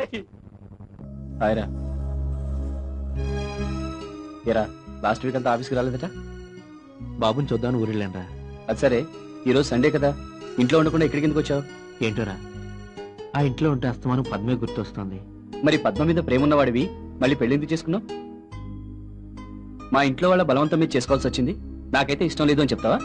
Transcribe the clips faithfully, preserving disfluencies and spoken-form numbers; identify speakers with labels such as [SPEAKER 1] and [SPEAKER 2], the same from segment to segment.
[SPEAKER 1] హాయ్రా. ఏరా last week అంతా ఆఫీస్కి రాలేదట?
[SPEAKER 2] బాబుని చూద్దామని ఊరెళ్ళానరా.
[SPEAKER 1] అది సరే, ఈరోజు సండే కదా, ఇంట్లో ఉండకుండా ఎక్కడికి ఎందుకు వచ్చావు?
[SPEAKER 2] ఏంటోరా, ఆ ఇంట్లో ఉంటే అస్తమానం పద్మే గుర్తొస్తుంది.
[SPEAKER 1] మరి పద్మ మీద ప్రేమ ఉన్నవాడివి మళ్ళీ పెళ్లి ఎందుకు చేసుకున్నావు? మా ఇంట్లో వాళ్ళ బలవంతం మీద చేసుకోవాల్సి వచ్చింది, నాకైతే ఇష్టం లేదు అని చెప్తావా?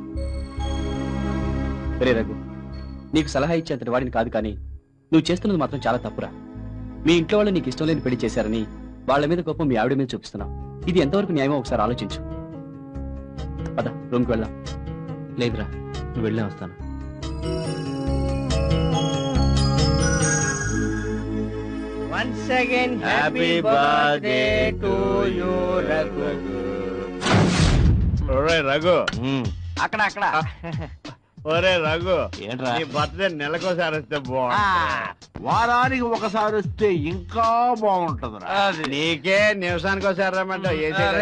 [SPEAKER 1] రే రఘు, నీకు సలహా ఇచ్చేంతటి వాడిని కాదు, కానీ నువ్వు చేస్తున్నది మాత్రం చాలా తప్పురా. మీ ఇంట్లో వాళ్ళు నీకు ఇష్టం లేని పెళ్లి చేశారని వాళ్ళ మీద కోపం మీ ఆవిడ మీద చూపిస్తున్నావు. ఇది ఎంతవరకు న్యాయమో ఒకసారి ఆలోచించు. పద, రూమ్కి వెళ్దాం.
[SPEAKER 2] లేదురా, నువ్వు వెళ్ళే వస్తాను.
[SPEAKER 3] Once again, happy birthday to you, Raghu.
[SPEAKER 4] ఒరే రఘు,
[SPEAKER 3] అక్కడ అక్కడ
[SPEAKER 4] ఒరే రఘు,
[SPEAKER 2] ఏంట్రా
[SPEAKER 4] నీ బర్త్డే నెలకోసారి వస్తే బాగుంటుంది.
[SPEAKER 5] వారానికి ఒకసారి వస్తే ఇంకా బాగుంటదిరా.
[SPEAKER 4] నీకే నిమిషానికి ఒకసారి రమ్మంటావు.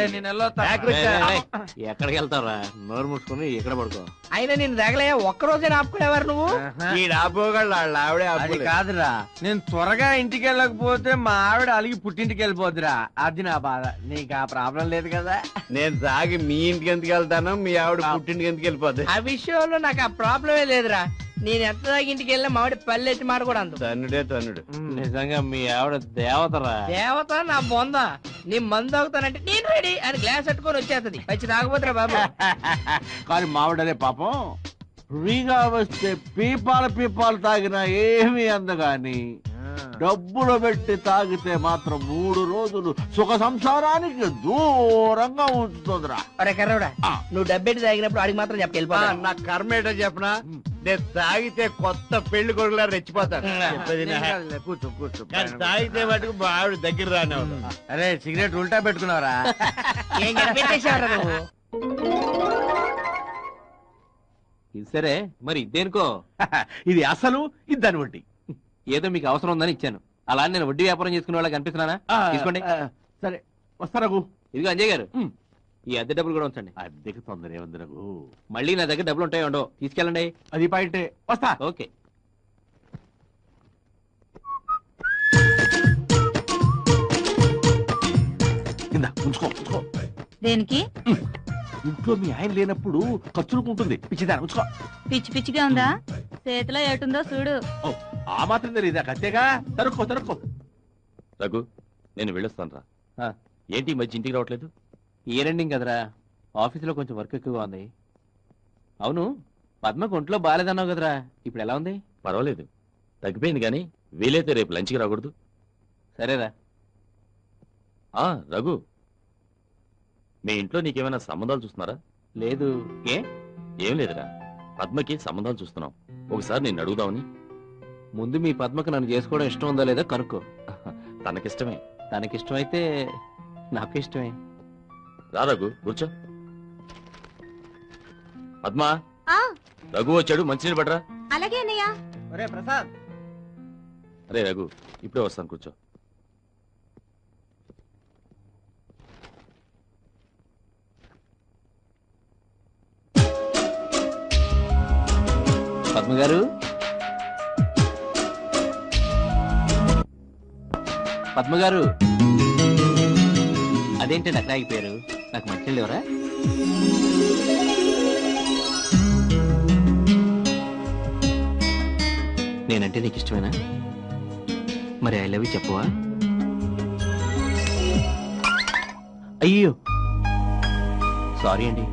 [SPEAKER 2] ఎక్కడికి వెళ్తావురా? నోరు మూసుకుని ఎక్కడ పడుకో.
[SPEAKER 3] అయినా నేను తగలే ఒక్కరోజే ఆపుకునేవారు నువ్వు.
[SPEAKER 4] ఈ ఆపుకోగలడు, వాళ్ళ ఆవిడే ఆపు.
[SPEAKER 6] కాదురా, నేను త్వరగా ఇంటికి వెళ్ళకపోతే మా ఆవిడ అలిగి పుట్టింటికి వెళ్ళిపోద్దురా. అది నా బాధ. నీకు ఆ ప్రాబ్లం లేదు కదా.
[SPEAKER 4] నేను తాగి మీ ఇంటికి ఎందుకు వెళ్తాను, మీ ఆవిడ పుట్టింటికి ఎందుకు వెళ్ళిపోద్ది?
[SPEAKER 3] ఆ విషయంలో నాకు ఆ ప్రాబ్లమే లేదురా. నేను ఎంత దాకా ఇంటికి వెళ్ళినా మావిడ పల్లెట్టి మాట కూడా అందు.
[SPEAKER 4] తన్నుడే తన్నుడు.
[SPEAKER 2] నిజంగా మీ ఆవిడ దేవతరా.
[SPEAKER 3] దేవత నా బొంద. నీ మందు అవుతానంటే నేను రెడీ అని గ్లాస్ పట్టుకొని వచ్చేస్తుంది. వచ్చి తాగబోతురా బాబు.
[SPEAKER 5] కానీ మావిడనే పాపం ఫ్రీగా వస్తే పీపాలు పీపాలు తాగినా ఏమీ అందగాని డబ్బులు పెట్టి తాగితే మాత్రం మూడు రోజులు సుఖ సంసారానికి దూరంగా ఉంటుందిరా.
[SPEAKER 3] అరే కర్రవుడా, నువ్వు డబ్బెట్టి తాగినప్పుడు అడిగి మాత్రం చెప్పి వెళ్ళిపో.
[SPEAKER 4] నా కర్మ ఏంటో చెప్పనా, నేను తాగితే కొత్త పెళ్లి కొడుకులా రెచ్చిపోతాను.
[SPEAKER 5] కూర్చో కూర్చో.
[SPEAKER 4] కానీ తాగితే మటుకు మా ఆవిడ దగ్గర రానే.
[SPEAKER 6] అరే సిగరెట్ ఉల్టా పెట్టుకున్నావరా?
[SPEAKER 3] ఏం పెట్టేసావరా నువ్వు?
[SPEAKER 2] ఇది సరే, మరి ఇదేనుకో.
[SPEAKER 5] ఇది అసలు ఇది దాని వడ్డీ.
[SPEAKER 2] ఏదో మీకు అవసరం ఉందని ఇచ్చాను. అలా నేను వడ్డీ వ్యాపారం చేసుకునే వాళ్ళకి కనిపిస్తున్నానా? తీసుకోండి.
[SPEAKER 5] సరే వస్తారగు.
[SPEAKER 2] ఇదిగో అంజయ్ గారు, ఈ అద్దె డబ్బులు కూడా ఉంచండి.
[SPEAKER 5] అద్దెకి తొందర ఏముంది రఘు.
[SPEAKER 2] మళ్ళీ నా దగ్గర డబ్బులు ఉంటాయో ఉండవు, తీసుకెళ్ళండి.
[SPEAKER 5] అది పాయింటే. వస్తా.
[SPEAKER 2] ఓకే.
[SPEAKER 5] కింద ఉంచుకో ఉంచుకో.
[SPEAKER 7] దేనికి?
[SPEAKER 5] ఇంట్లో మీ ఆయన లేనప్పుడు ఖర్చులకు ఉంటుంది. పిచ్చిదాన్ని ఉంచుకో.
[SPEAKER 7] పిచ్చి పిచ్చిగా ఉందా? చేతిలో ఏటుందో చూడు.
[SPEAKER 5] ఆ మాత్రం తెలియదా? కత్తేగా. తరుక్కో తరుక్కో.
[SPEAKER 8] రఘు, నేను వెళ్ళొస్తాను రా. ఏంటి ఈ మధ్య ఇంటికి రావట్లేదు?
[SPEAKER 2] ఈ రెండింగ్ కదరా, ఆఫీసులో కొంచెం వర్క్ ఎక్కువగా ఉంది. అవును, పద్మకు ఒంట్లో బాగాలేదన్నావు కదరా, ఇప్పుడు ఎలా ఉంది?
[SPEAKER 8] పర్వాలేదు, తగ్గిపోయింది. కానీ వీలైతే రేపు లంచ్కి రాకూడదు?
[SPEAKER 2] సరేరా.
[SPEAKER 8] ఆ రఘు, మీ ఇంట్లో నీకేమైనా సంబంధాలు చూస్తున్నారా?
[SPEAKER 2] లేదు. ఏ?
[SPEAKER 8] ఏం లేదురా, పద్మకి సంబంధాలు చూస్తున్నాం. ఒకసారి నేను అడుగుదామని.
[SPEAKER 2] ముందు మీ పద్మకు నన్ను చేసుకోవడం ఇష్టం ఉందో లేదో కనుక్కో.
[SPEAKER 8] తనకిష్టమే.
[SPEAKER 2] తనకిష్టమైతే నాకు ఇష్టమే.
[SPEAKER 8] రా రఘు, కూర్చో. పద్మా, రఘు వచ్చాడు, మంచినీళ్ళు పడరా.
[SPEAKER 7] అలాగే అన్నయ్య.
[SPEAKER 3] ఒరే ప్రసాద్.
[SPEAKER 8] అరే రఘు, ఇప్పుడే వస్తాను, కూర్చో.
[SPEAKER 2] పద్మ గారు, పద్మ గారు, అదేంటండి అక్కడ ఆగిపోయారు? నాకు మంచినీళ్ళు ఎవరా? నేనంటే నీకు ఇష్టమేనా? మరి ఐ లవ్ యూ చెప్పవా? అయ్యో సారీ అండి.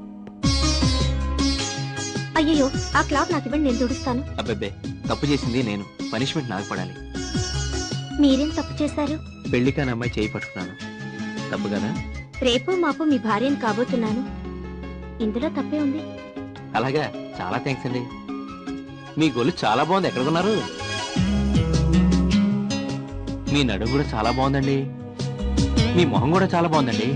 [SPEAKER 7] అయ్యో, ఆ క్లాత్ నాకు ఇవ్వండి, నేను తుడుస్తాను.
[SPEAKER 2] అబ్బబ్బే, తప్పు చేసింది నేను, పనిష్మెంట్ నాకు పడాలి.
[SPEAKER 7] మీరేం తప్పు చేశారు?
[SPEAKER 2] పెళ్లి కాని అమ్మాయి చేయి పట్టుకున్నాను, తప్పు కదా?
[SPEAKER 7] రేపు మాపు మీ భార్యను కాబోతున్నాను, ఇందులో తప్పే ఉంది.
[SPEAKER 2] అలాగా, చాలా థ్యాంక్స్ అండి. మీ గొల్లు చాలా బాగుంది, ఎక్కడ కొన్నారు? మీ నడుము కూడా చాలా బాగుందండి, మీ మొహం కూడా చాలా బాగుందండి.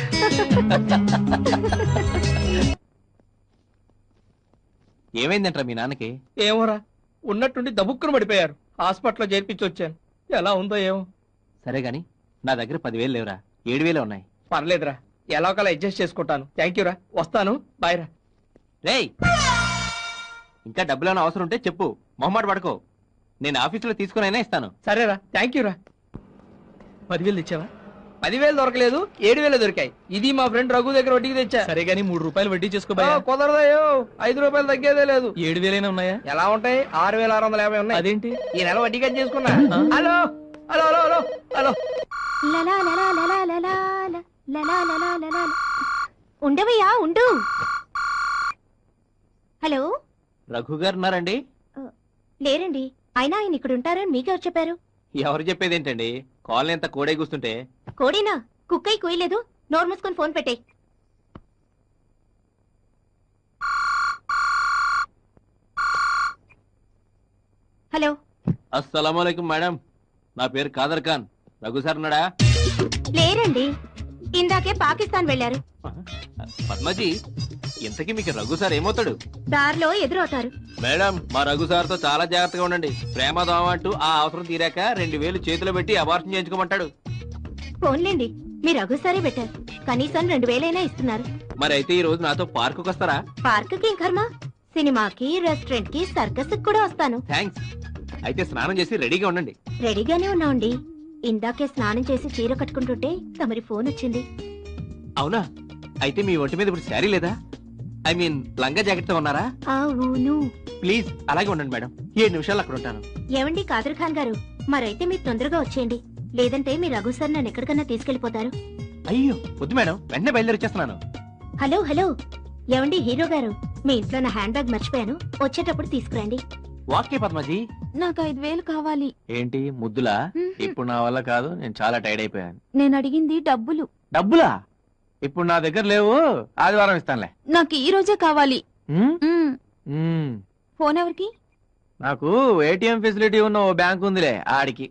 [SPEAKER 2] ఏమైందంటారా మీ నాన్నకి?
[SPEAKER 3] ఏమోరా, ఉన్నట్టుండి దబుక్కును పడిపోయారు. హాస్పిటల్లో చేర్పించి వచ్చాను, ఎలా ఉందో ఏమో.
[SPEAKER 2] సరే గాని నా దగ్గర పదివేలు లేవురా, ఏడు వేలే ఉన్నాయి.
[SPEAKER 3] పర్లేదురా, ఎలా ఒకలా అడ్జస్ట్ చేసుకుంటాను. థ్యాంక్ యూ రా, వస్తాను, బాయ్ రా.
[SPEAKER 2] రేయ్, ఇంకా డబ్బులు ఏమైనా అవసరం ఉంటే చెప్పు, మొహమాట పడుకో. నేను ఆఫీసులో తీసుకునైనా ఇస్తాను.
[SPEAKER 3] సరేరా, థ్యాంక్ యూ రా.
[SPEAKER 1] పదివేలు తెచ్చావా?
[SPEAKER 3] పదివేలు దొరకలేదు, ఏడు వేలు దొరికాయి. ఇది మా ఫ్రెండ్ రఘు దగ్గర వడ్డీకి తెచ్చా.
[SPEAKER 1] సరే గానీ మూడు రూపాయలు వడ్డీ చేసుకో
[SPEAKER 3] ఆ, కుదరదయ్యో, ఐదు రూపాయలు తగ్గేదే లేదు.
[SPEAKER 1] ఏడు వేలైనా ఉన్నాయా?
[SPEAKER 3] ఎలా ఉంటాయి? ఆరు వేల ఆరు వందల యాభై ఉన్నాయి.
[SPEAKER 1] అదేంటి?
[SPEAKER 3] ఈ నెల వడ్డీ కట్ చేసుకున్నా. Hello hello hello hello hello
[SPEAKER 7] లలా లలా లలా లలా ల- లలా లలా లలా ల- ఉండవయ్యా ఉండు. హలో,
[SPEAKER 2] రఘు గారు ఉన్నారండి?
[SPEAKER 7] లేరండి. అయినా ఆయన ఇక్కడ ఉంటారని మీకెవరు చెప్పారు?
[SPEAKER 2] ఎవరు చెప్పేది ఏంటండి, కాలనీ అంతా కోడే కూస్తుంటే.
[SPEAKER 7] కోడేనా? కుక్కై కుయ్యలేదు. నోరు మూసుకొని ఫోన్ పెట్టేయ్. హలో,
[SPEAKER 2] అస్సలాముఅలైకుం మేడం, నా పేరు కాదర్ ఖాన్. రఘు సార్ ఉన్నాడా?
[SPEAKER 7] లేరండి. ఇందాకే పాకిస్తాన్ వెళ్లారు.
[SPEAKER 2] పద్మజీ, ఇంతకీ మీకు రఘు సార్ ఏమవుతాడు?
[SPEAKER 7] దారిలో ఎదురవుతారు.
[SPEAKER 2] మేడం, మా రఘు సార్తో చాలా జాగ్రత్తగా ఉండండి. ప్రేమ దోమ అంటూ ఆ అవసరం తీరాక రెండు వేలు చేతిలో పెట్టి అబార్షన్ చేయించుకోమంటాడు.
[SPEAKER 7] ఫోన్లేండి, మీరు అగుసారే పెట్టారు. కనీసం రెండు వేలైనా ఇస్తున్నారు.
[SPEAKER 2] మరి అయితే ఈ రోజు నాతో పార్కుకి వస్తారా?
[SPEAKER 7] పార్కుకి కర్మ, సినిమాకి, రెస్టారెంట్ కి, సర్కస్ కూడా వస్తాను.
[SPEAKER 2] థ్యాంక్స్. అయితే స్నానం చేసి రెడీగా ఉండండి.
[SPEAKER 7] రెడీగానే ఉన్నాండి. ఇందాకే స్నానం చేసి చీర కట్టుకుంటుంటే తమరి ఫోన్ వచ్చింది.
[SPEAKER 2] అవునా? అయితే మీ ఒంటి మీద ఇప్పుడు శారీ లేదా? ఐ మీన్ లంగా జాకెట్ తో ఉన్నారా?
[SPEAKER 7] అవును.
[SPEAKER 2] ప్లీజ్ అలాగే ఉండండి మేడం, ఏడు నిమిషాలు అక్కడ ఉంటాను.
[SPEAKER 7] ఏమండి కాదర్ ఖాన్ గారు, మరైతే మీరు తొందరగా వచ్చేయండి. లేదంటే మీ రఘు సార్ నన్ను ఎక్కడికన్నా తీసుకెళ్లిపోతారు.
[SPEAKER 2] అయ్యో వద్దు మేడం, వెంటనే బయలుదేరిచేస్తున్నాను.
[SPEAKER 7] హలో హలో, ఏమండి హీరో గారు, మీ ఇంట్లో నా హ్యాండ్ బ్యాగ్ మర్చిపోయాను. వచ్చేటప్పుడు తీసుకురండి.
[SPEAKER 2] వాకే పద్మజీ.
[SPEAKER 7] నాకు ఐదు వేలు కావాలి.
[SPEAKER 2] ఏంటి ముద్దులా? ఇప్పుడు నా వల్ల కాదు, నేను చాలా టైర్డ్ అయిపోయాను.
[SPEAKER 7] నేను అడిగింది డబ్బులు.
[SPEAKER 2] డబ్బులా? ఇప్పుడు నా దగ్గర లేవు, ఆదివారం ఇస్తానులే.
[SPEAKER 7] నాకు ఈ రోజే కావాలి.
[SPEAKER 2] ఉమ్? ఉమ్.
[SPEAKER 7] ఫోన్ ఎవరికి?
[SPEAKER 2] నాకు ఏటీఎం ఫెసిలిటీ ఉన్న ఓ బ్యాంక్ ఉందిలే, ఆడికి.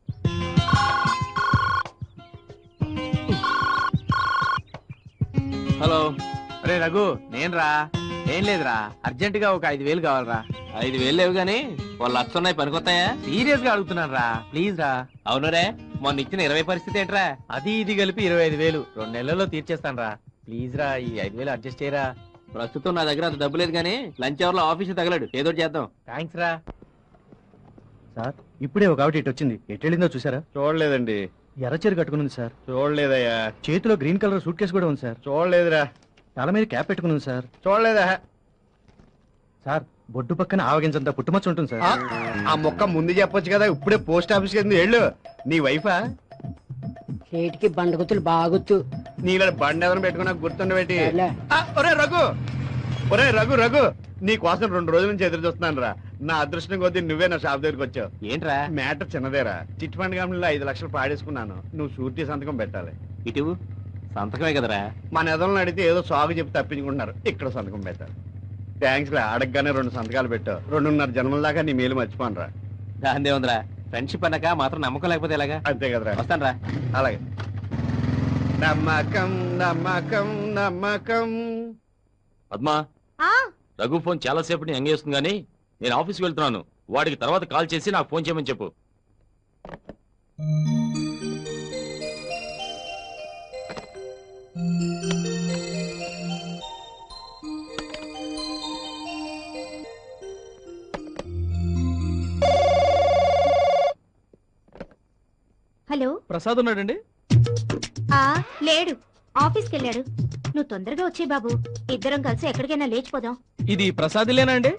[SPEAKER 2] హలో. అరే రఘు, నేను రా. ఏం లేదురా, అర్జెంట్ గా ఒక ఐదు వేలు కావాలరా. ఐదు వేలు లేవు గానీ వాళ్ళు లక్ష ఉన్నాయి, పనికొస్తాయా? సీరియస్ గా అడుగుతున్నాను రా, ప్లీజ్ రా. అవునురే, మొన్న ఇచ్చిన ఇరవై పరిస్థితి ఏంట్రా? అది ఇది కలిపి ఇరవై ఐదు వేలు రెండు నెలల్లో తీర్చేస్తాను రా. ప్లీజ్ రా, ఈ ఐదు వేలు అడ్జస్ట్ చేయరా. ప్రస్తుతం నా దగ్గర అంత డబ్బు లేదు గానీ లంచ్ అవర్ లో ఆఫీస్ తగలడు, ఏదో చేద్దాం. థ్యాంక్స్ రా.
[SPEAKER 1] సార్, ఇప్పుడే ఒక ఆవిడ ఇటు వచ్చింది. ఎట్టెళ్ళిందో చూసారా?
[SPEAKER 4] చూడలేదండి.
[SPEAKER 1] ఎర్రచీర కట్టుకుని సార్.
[SPEAKER 4] చూడలేదయ్యా.
[SPEAKER 1] చేతిలో గ్రీన్ కలర్ సూట్ కేసు కూడా ఉంది సార్.
[SPEAKER 4] చూడలేదురా.
[SPEAKER 1] తల మీద క్యాప్ పెట్టుకుని సార్.
[SPEAKER 4] చూడలేదా?
[SPEAKER 1] సార్, బొడ్డు పక్కన ఆవగించంత పుట్టుమచ్చ ఉంటుంది సార్.
[SPEAKER 4] ఆ, ఆ మొక్క ముందు చెప్పొచ్చు కదా, ఇప్పుడే పోస్ట్ ఆఫీస్ కి వెళ్ళు. నీ వైఫా?
[SPEAKER 9] చేటికి బండగుతులు బాగుతు.
[SPEAKER 4] నీళ్ళ బండి ఎవరిని పెట్టుకున్నా గుర్తుండబెట్టి. ఒరే రఘు, ఒరే రఘు రఘు, నీ కోసం రెండు రోజుల నుంచి ఎదురు చూస్తున్నాను రా. నా అదృష్టం కొద్దీ నువ్వే నా షాప్ దగ్గరికి వచ్చావు.
[SPEAKER 2] ఏంట్రా?
[SPEAKER 4] మ్యాటర్ చిన్నదేరా. చిట్ ఫండ్ కంపెనీలో ఐదు లక్షలు పాడేసుకున్నాను. నువ్వు షూరిటీ సంతకం పెట్టాలి.
[SPEAKER 2] ఇటు సంతకమే కదరా.
[SPEAKER 4] మన ఎదలను అడిగితే ఏదో సాగు చెప్పి తప్పించుకుంటున్నారు. ఇక్కడ సంతకం పెట్టాలి. థ్యాంక్స్ రా, అడగగానే రెండు సంతకాలు పెట్టావు. రెండున్నర జన్మల దాకా నీ మేలు మర్చిపోను రా.
[SPEAKER 2] దాందే ఉందిరా, ఫ్రెండ్షిప్ అన్నాక మాత్రం నమ్మకం లేకపోతే ఎలాగా?
[SPEAKER 4] అంతే కదరా.
[SPEAKER 2] వస్తాను రా.
[SPEAKER 4] అలాగే. నమ్మకం నమ్మకం నమ్మకం.
[SPEAKER 8] పద్మా, రఘు ఫోన్ చాలా సేపటి ఎంగేస్తుంది గానీ నేను ఆఫీస్కి వెళ్తున్నాను. వాడికి తర్వాత కాల్ చేసి నాకు ఫోన్ చేయమని చెప్పు.
[SPEAKER 7] హలో,
[SPEAKER 1] ప్రసాద్ ఉన్నాడండి?
[SPEAKER 7] ఆ లేడు, ఆఫీస్కి వెళ్ళాడు. నువ్వు తొందరగా వచ్చే బాబు, ఇద్దరం కలిసి ఎక్కడికైనా లేచిపోదాం.
[SPEAKER 1] ఇది ప్రసాద్లేనా అండి?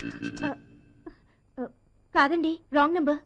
[SPEAKER 7] కాదండి, రాంగ్ నెంబర్.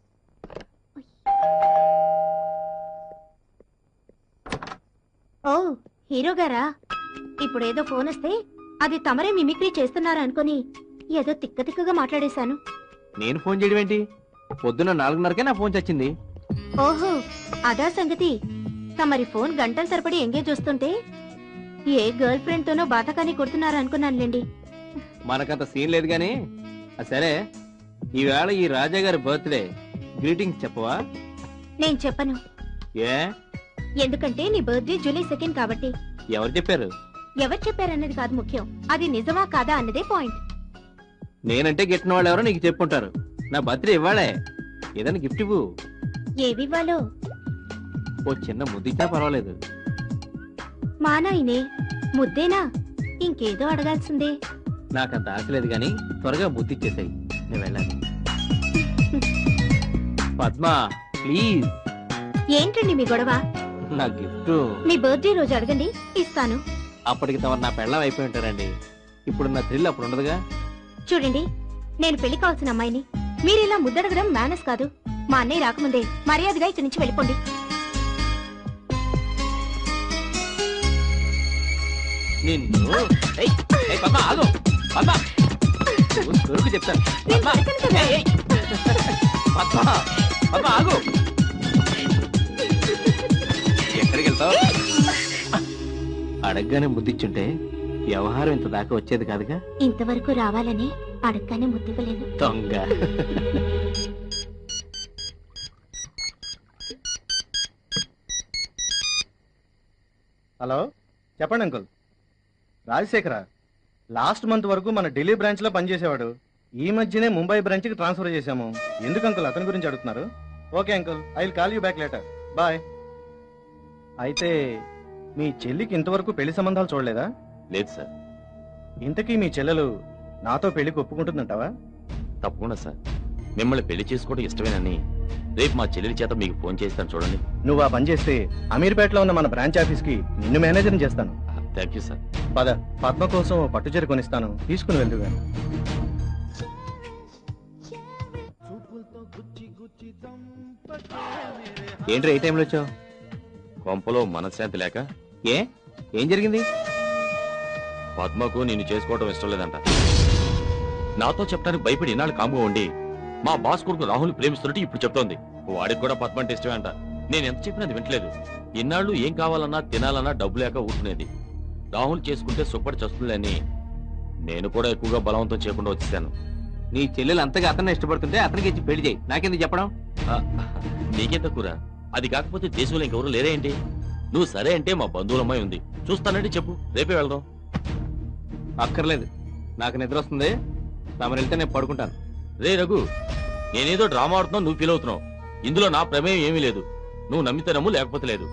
[SPEAKER 7] ఓ హీరో గారా? ఇప్పుడేదో ఫోన్ వస్తే అది తమరే మిమిక్రీ చేస్తున్నారా అనుకుని ఏదో తిక్క తిక్కగా మాట్లాడేశాను.
[SPEAKER 2] నేను ఫోన్ చేయడం ఏంటి? పొద్దున్న నాలుగున్నరకే నా ఫోన్ చచ్చింది.
[SPEAKER 7] ఓహో, అదా సంగతి. తమరి ఫోన్ గంటల తరబడి ఎంగేజ్ వస్తుంటే ఏ గర్ల్ ఫ్రెండ్ తోనో బాతకాని కొడుతున్నారా అనుకున్నానులేండి.
[SPEAKER 2] మనకంత సీన్ లేదు గాని సరే, ఈవేళ ఈ రాజా గారి బర్త్డే, గ్రీటింగ్స్ చెప్పవా?
[SPEAKER 7] నేను చెప్పను.
[SPEAKER 2] ఏ?
[SPEAKER 7] ఎందుకంటే నీ బర్త్డే జూలై సెకండ్ కాబట్టి.
[SPEAKER 2] ఎవరు చెప్పారు?
[SPEAKER 7] ఎవరు చెప్పారన్నది కాదు ముఖ్యం, అది నిజమా కాదా అన్నదే పాయింట్.
[SPEAKER 2] నేనంటే గిట్టిన వాళ్ళు ఎవరో నీకు చెప్పుంటారు. నా బర్త్డే ఇవ్వాలే, ఏదైనా గిఫ్ట్ ఇవ్వు.
[SPEAKER 7] ఏవివ్వాలో?
[SPEAKER 2] ఓ చిన్న ముద్దిచ్చా పర్వాలేదు.
[SPEAKER 7] మా నాయనే ముద్దేనా? ఇంకేదో అడగాల్సిందే.
[SPEAKER 2] నాకంత ఆశ లేదు గాని త్వరగా ముద్దిచ్చేసాయి, నేను వెళ్ళాలి. పద్మ ప్లీజ్
[SPEAKER 7] ఏంటండి మీ గొడవ?
[SPEAKER 2] నా గిఫ్ట్
[SPEAKER 7] మీ బర్త్డే రోజు అడగండి, ఇస్తాను.
[SPEAKER 2] అప్పటికి తమరు నా పెళ్ళం అయిపోయి ఉంటారండి. ఇప్పుడు నా థ్రిల్ అప్పుడు ఉండదుగా.
[SPEAKER 7] చూడండి, నేను పెళ్లి కావాల్సిన అమ్మాయిని. మీరు ఇలా ముద్దడగడం మేనస్ కాదు. మా అన్నయ్య రాకముందే మర్యాదగా ఇక్కడి నుంచి వెళ్ళిపోండి.
[SPEAKER 2] నిన్ను ఏయ్, ఏయ్, పద్మ ఆగు. పద్మ నువ్వు దొరుకు చెప్తాను.
[SPEAKER 7] నేను
[SPEAKER 2] పద్మ
[SPEAKER 7] దొరకను కదా.
[SPEAKER 2] ఏయ్, ఏయ్. పద్మ పద్మ ఆగు. ఎక్కడికి వెళ్తావు? అడగగానే ముద్దిచ్చుంటే వ్యవహారం ఇంత దాకా వచ్చేది కాదుగా.
[SPEAKER 7] ఇంతవరకు రావాలని అడగగానే ముద్దివ్వలేదు.
[SPEAKER 2] దొంగ.
[SPEAKER 10] హలో, చెప్పండి అంకుల్. రాజశేఖర లాస్ట్ మంత్ వరకు మన ఢిల్లీ బ్రాంచ్ లో పనిచేసేవాడు. ఈ మధ్యనే ముంబై బ్రాంచ్ కి ట్రాన్స్ఫర్ చేశాము. ఎందుకు అంకుల్ అతని గురించి అడుగుతున్నారు? Okay uncle, I will call you back later. Bye. అయితే మీ చెల్లికి ఇంతవరకు పెళ్లి సంబంధాలు చూడలేదా?
[SPEAKER 8] లేదు సార్.
[SPEAKER 10] ఇంతకీ మీ చెల్లెలు నాతో పెళ్లికి ఒప్పుకుంటుందంటావా?
[SPEAKER 8] తప్పకుండా సార్. మిమ్మల్ని పెళ్లి చేసుకోవడం ఇష్టమేనని రేపు మా చెల్లెలి చేత మీకు ఫోన్ చేస్తాను చూడండి.
[SPEAKER 10] నువ్వు ఆ పని చేస్తే అమీర్పేటలో ఉన్న మన బ్రాంచ్ ఆఫీస్ కి నిన్ను మేనేజర్ చేస్తాను.
[SPEAKER 8] Thank you sir.
[SPEAKER 10] పద, పద్మ కోసం ఓ పట్టుచీర కొనిస్తాను, తీసుకుని వెళ్దుగా.
[SPEAKER 2] ఏంట్రా ఏ టైంలో వచ్చావు?
[SPEAKER 8] కొంపలో మనశ్శాంతి లేక.
[SPEAKER 2] ఏ ఏం జరిగింది?
[SPEAKER 8] పద్మకు నిన్ను చేసుకోవడం ఇష్టం లేదంట. నాతో చెప్పడానికి భయపడి ఇన్నాళ్ళు కాముగా ఉండి మా బాస్ కొడుకు రాహుల్ ప్రేమిస్తున్నట్టు ఇప్పుడు చెప్తోంది. వాడికి కూడా పద్మ అంటే ఇష్టమే అంట. నేను ఎంత చెప్పినా అది వింటలేదు. ఇన్నాళ్ళు ఏం కావాలన్నా తినాలన్నా డబ్బు లేక ఊరుకునేది. రాహుల్ చేసుకుంటే సుప్పటి చస్తుందని నేను కూడా ఎక్కువగా బలవంతం చేయకుండా వచ్చేసాను.
[SPEAKER 2] నీ చెల్లెలు అంతగా అతన్ని ఇష్టపడుతుంటే అతనికి ఇచ్చి పెళ్లి చేయి. నాకెందుకు చెప్పడం?
[SPEAKER 8] నీకెంత కూర? అది కాకపోతే దేశంలో ఇంకెవరు లేరే ఏంటి? నువ్వు సరే అంటే మా బంధువుల అమ్మాయి ఉంది, చూస్తానంటే చెప్పు, రేపే వెళ్దాం.
[SPEAKER 2] అక్కర్లేదు, నాకు నిద్ర వస్తుంది. తమరు వెళ్తే నేను పడుకుంటాను.
[SPEAKER 8] రే రఘు, నేనేదో డ్రామా ఆడుతున్నావు, నువ్వు ఫీల్ అవుతున్నావు. ఇందులో నా ప్రమేయం ఏమీ లేదు. నువ్వు నమ్మితే నమ్ము, లేకపోతే లేదు.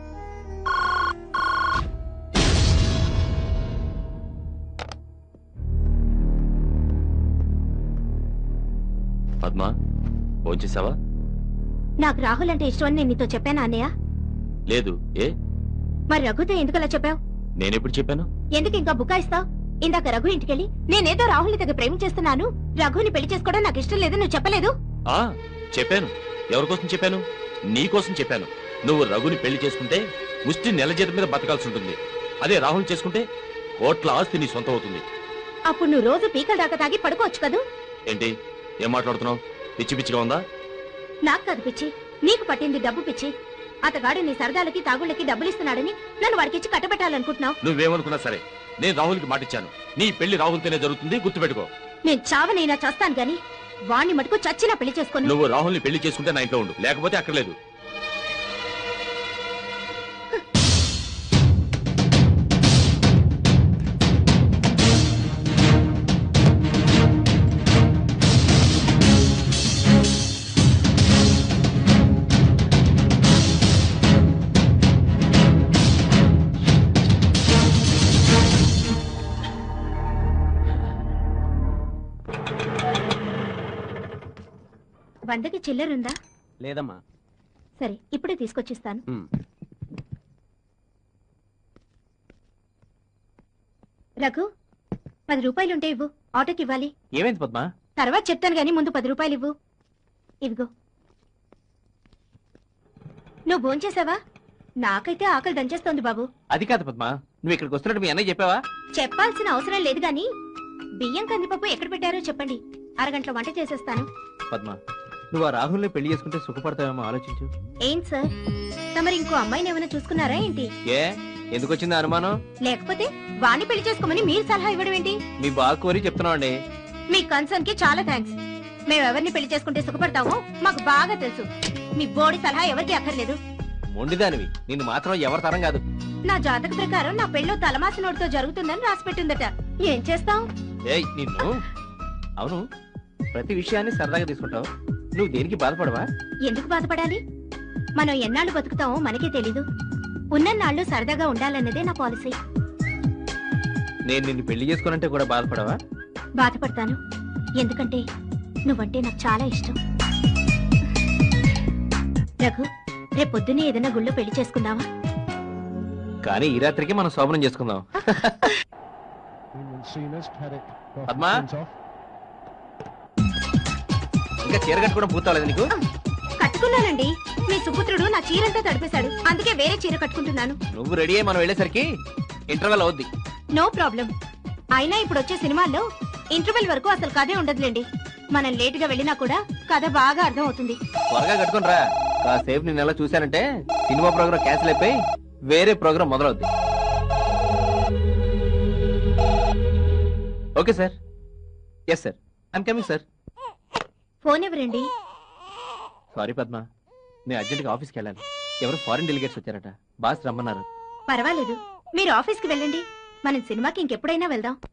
[SPEAKER 8] పద్మ, ఫోన్ చేసావా?
[SPEAKER 7] నాకు రాహుల్ అంటే ఇష్టం అని నేను నీతో చెప్పానా అన్నయ్య?
[SPEAKER 8] లేదు. ఏ
[SPEAKER 7] మరి రఘుతో ఎందుకు అలా చెప్పావు?
[SPEAKER 8] నేనెప్పుడు చెప్పాను?
[SPEAKER 7] ఎందుకు ఇంకా బుకాయిస్తావు? ఇందాక రఘు ఇంటికెళ్ళి నేనేదో రాహుల్ని దగ్గర ప్రేమించేస్తున్నాను, రఘుని పెళ్లి చేసుకోవడం నాకు ఇష్టం లేదు నువ్వు చెప్పలేదు?
[SPEAKER 8] ఆ చెప్పాను. ఎవరికోసం చెప్పాను? నీ కోసం చెప్పాను. నువ్వు రఘుని పెళ్లి చేసుకుంటే ముష్టి నెల జీతం మీద బతకాల్సి ఉంటుంది. అదే రాహుల్ చేసుకుంటే కోట్ల ఆస్తి నీ సొంతం అవుతుంది.
[SPEAKER 7] అప్పుడు నువ్వు రోజు పీకల దాకా తాగి పడుకోవచ్చు కదూ?
[SPEAKER 8] ఏంటి ఏం మాట్లాడుతున్నావు? పిచ్చి పిచ్చిగా ఉందా?
[SPEAKER 7] నాకు కాదు పిచ్చి, నీకు పట్టింది డబ్బు పిచ్చి. అతగాడు నీ సరదాలకి తాగుళ్ళకి డబ్బులిస్తున్నాడని నన్ను వాడికిచ్చి కట్టబెట్టాలనుకుంటున్నావు.
[SPEAKER 8] నువ్వేమనుకున్నా సరే నేను రాహుల్కి మాటిచ్చాను. నీ పెళ్లి రాహుల్తోనే జరుగుతుంది, గుర్తుపెట్టుకో.
[SPEAKER 7] నేను చావనైనా చేస్తాను గాని వాణ్ణి మటుకు చచ్చినా పెళ్లి చేసుకోను.
[SPEAKER 8] నువ్వు రాహుల్ని పెళ్లి చేసుకుంటే నా ఇంట్లో ఉండు, లేకపోతే అక్కర్లేదు.
[SPEAKER 7] వందకి చిల్లరుందా?
[SPEAKER 2] లేదమ్మా.
[SPEAKER 7] సరే, ఇప్పుడే తీసుకొచ్చిస్తాను. రఘు, పది రూపాయలుంటే ఇవ్వు, ఆటోకి ఇవ్వాలి.
[SPEAKER 2] ఏమైంది పద్మ?
[SPEAKER 7] తర్వాత చెప్తాను గానీ ముందు పది రూపాయలు ఇవ్వు. ఇదిగో. నువ్వు భోంచేసావా? నాకైతే ఆకలి దంచేస్తోంది బాబు.
[SPEAKER 2] అది కాదు పద్మ, నువ్వు ఇక్కడికి వస్తున్నట్టు మీ అన్నయ్య చెప్పావా?
[SPEAKER 7] చెప్పాల్సిన అవసరం లేదు గాని బియ్యం కందిపప్పు ఎక్కడ పెట్టారో చెప్పండి, అరగంటలో వంట చేసేస్తాను.
[SPEAKER 2] పద్మ, నువ్వు ఆ రాహుల్ని పెళ్లి చేసుకుంటే సుఖపడతావేమో ఆలోచించు.
[SPEAKER 7] ఏంటి సార్, తమరు ఇంకో అమ్మాయిని ఏమైనా చూసుకున్నారా ఏంటి?
[SPEAKER 2] ఏ ఎందుకు వచ్చింది అనుమానం?
[SPEAKER 7] లేకపోతే వాణ్ణి పెళ్లి చేసుకోమని మీరు సలహా ఇవ్వడం ఏంటి?
[SPEAKER 2] మీ బాగా కోరి చెప్తున్నావు అండి.
[SPEAKER 7] మీ కన్సర్న్ కి చాలా థ్యాంక్స్. మేము ఎవరిని పెళ్లి చేసుకుంటే సుఖపడతామో మాకు బాగా తెలుసు. మీ బోడి సలహా ఎవరికి అక్కర్లేదు.
[SPEAKER 2] మొండిదానివి, నిన్ను మాత్రం ఎవరి తరం కాదు.
[SPEAKER 7] నా జాతక ప్రకారం నా పెళ్ళో తలమాసి నోటితో జరుగుతుందని రాసి పెట్టిందట. ఏం చేస్తావు?
[SPEAKER 2] ఏయ్ నిన్ను. అవును, ప్రతి విషయాన్ని సరదాగా తీసుకుంటావు. నువ్వు దేనికి బాధపడవా?
[SPEAKER 7] ఎందుకు బాధపడాలి? మనం ఎన్నాళ్ళు బతుకుతామో మనకే తెలీదు. ఉన్నన్నాళ్ళు సరదాగా ఉండాలన్నదే నా పాలసీ.
[SPEAKER 2] నేను నిన్ను పెళ్లి చేసుకోనంటే కూడా బాధపడవా?
[SPEAKER 7] బాధపడతాను, ఎందుకంటే నువ్వంటే నాకు చాలా ఇష్టం. రఘు రేపు పొద్దున్నే ఏదైనా గుళ్ళో పెళ్లి చేసుకుందామా?
[SPEAKER 2] కానీ ఈ రాత్రికి మనం శోభనం చేసుకుందాం. పద్మా ఇంకా చీర కట్టుకోవడం పూర్తవలేదు నీకు?
[SPEAKER 7] కట్టుకున్నానండి. మీ సుపుత్రుడు నా చీరంతా తడిపేశాడు, అందుకే వేరే చీర కట్టుకుంటున్నాను.
[SPEAKER 2] నువ్వు రెడీ అయ్యి మనం వెళ్ళేసరికి ఇంటర్వెల్ అవుద్ది.
[SPEAKER 7] No problem. అయినా ఇప్పుడు వచ్చే సినిమాల్లో ఇంటర్వెల్ వరకు అసలు కథే ఉండదులేండి. మనం లేట్ గా వెళ్ళినా కూడా కథ బాగా అర్థం అవుతుంది.
[SPEAKER 2] త్వరగా కట్టుకుని రా. కాసేపు నేను ఎలా చూశానంటే సినిమా ప్రోగ్రామ్ క్యాన్సిల్ అయిపోయి వేరే ప్రోగ్రామ్ మొదలవుద్ది. Okay sir. Yes sir, I'm coming sir.
[SPEAKER 7] Phone ఎవరండి?
[SPEAKER 2] సారీ పద్మ, నేను అర్జెంట్గా ఆఫీస్కి వెళ్ళాలి. ఎవరు ఫారిన్ డెలిగేట్స్ వచ్చారట, బాస్ రమ్మన్నారు.
[SPEAKER 7] పర్వాలేదు, మీరు ఆఫీస్కి వెళ్ళండి. మనం సినిమాకి ఇంకెప్పుడైనా వెళ్దాం.